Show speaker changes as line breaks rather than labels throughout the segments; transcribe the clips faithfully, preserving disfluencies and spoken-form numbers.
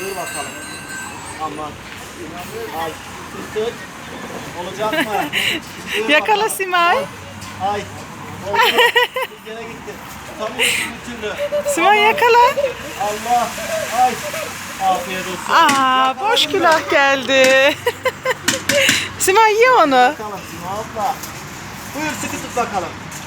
Buyur bakalım. Aman. Ay. Tut. Olacak mı? Buyur
Yakala
bakalım.
Simay.
Ay. Ay. Oldu. Gene gitti. Tutamıyorsun bir türlü.
Simay yakala.
Allah. Ay. Afiyet olsun.
Aa,
Yakala
boş
bunu.
külah geldi. Simay ye onu.
Bakalım Sima abla. Buyur sıkı tut bakalım.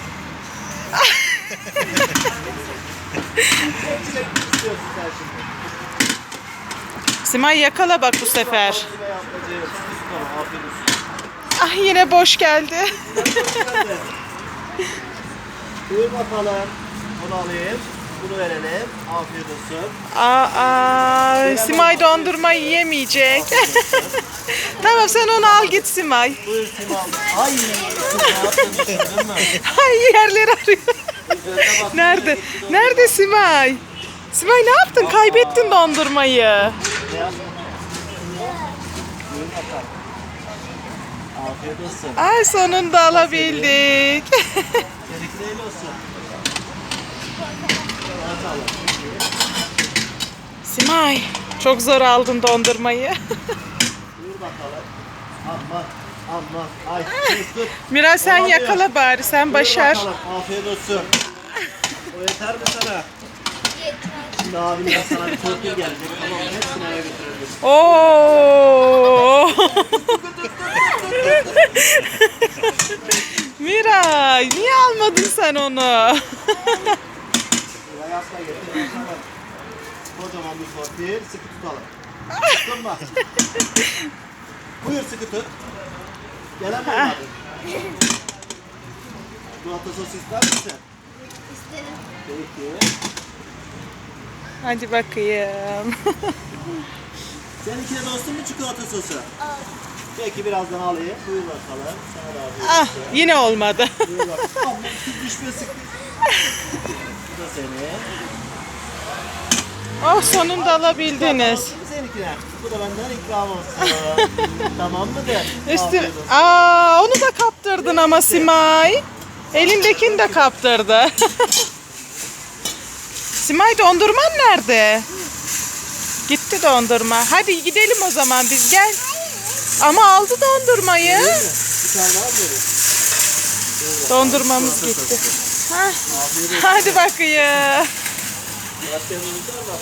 Çok çilekli istiyorsun sen şimdi.
Simay yakala bak bu sefer.
Simay ablacığım, sıkı tutalım, afiyet olsun.
Ah, yine boş geldi.
Geldi. Buyur bakalım. Bunu alayım. Bunu verelim. Afiyet olsun.
Aa, Simay dondurma yiyemeyecek. Tamam, sen onu al git Simay.
Buyur Sima abla. Ay kız ne yaptın düşündün mü?
Ay, yerleri arıyor.
Üzerine bak,
Nerede?
yine gitti
Nerede Simay? Simay ne yaptın? Kaybettin dondurmayı.
Ne yaptın? Buyur bakalım. Afiyet olsun.
Ay, sonunda alabildik.
Seninki de el olsun. Bakalım.
Simay, çok zor aldın dondurmayı.
Buyur bakalım. Aman aman. Ay tut tut.
Miray, sen
Olamıyor.
yakala bari, sen
Buyur
başar.
bakalım, afiyet olsun. O yeter mi sana? Şimdi abimden sana bir torpil gelecek. Tamam mı? Hepsini eve götürebilirsin.
Oo. Miray, niye almadın sen onu?
Buraya asla getir. Bakalım. Kocaman bir torpil. Sıkı tutalım. Tuttun mu? Buyur sıkı tut. Gelen mi olmadı? Çikolata sos ister misin?
İsterim.
Peki.
Hadi bakayım.
Seninkine dostum mu çikolata sosu? Peki birazdan alayım. Buyur bakalım. Sana da afiyet
Ah,
olsun.
yine olmadı.
Buyur bakalım. Aman kız düşme sıkı. Bu da senin.
Oh, sonunda alabildiniz.
Olsun mu seninkine? Bu da benden ikram olsun. Tamam mıdır?
Üstü...
Afiyet olsun.
Aa, onu da kaptırdın ama Simay. Elindekini de kaptırdı. Simay, dondurman nerede? Gitti dondurma. Hadi gidelim o zaman biz, gel. Ama aldı dondurmayı.
Değil mi? Bir tane daha vereyim.
Dondurmamız gitti. Hah.
Afiyet olsun.
Hadi bakayım.
Başka yanımız var mı?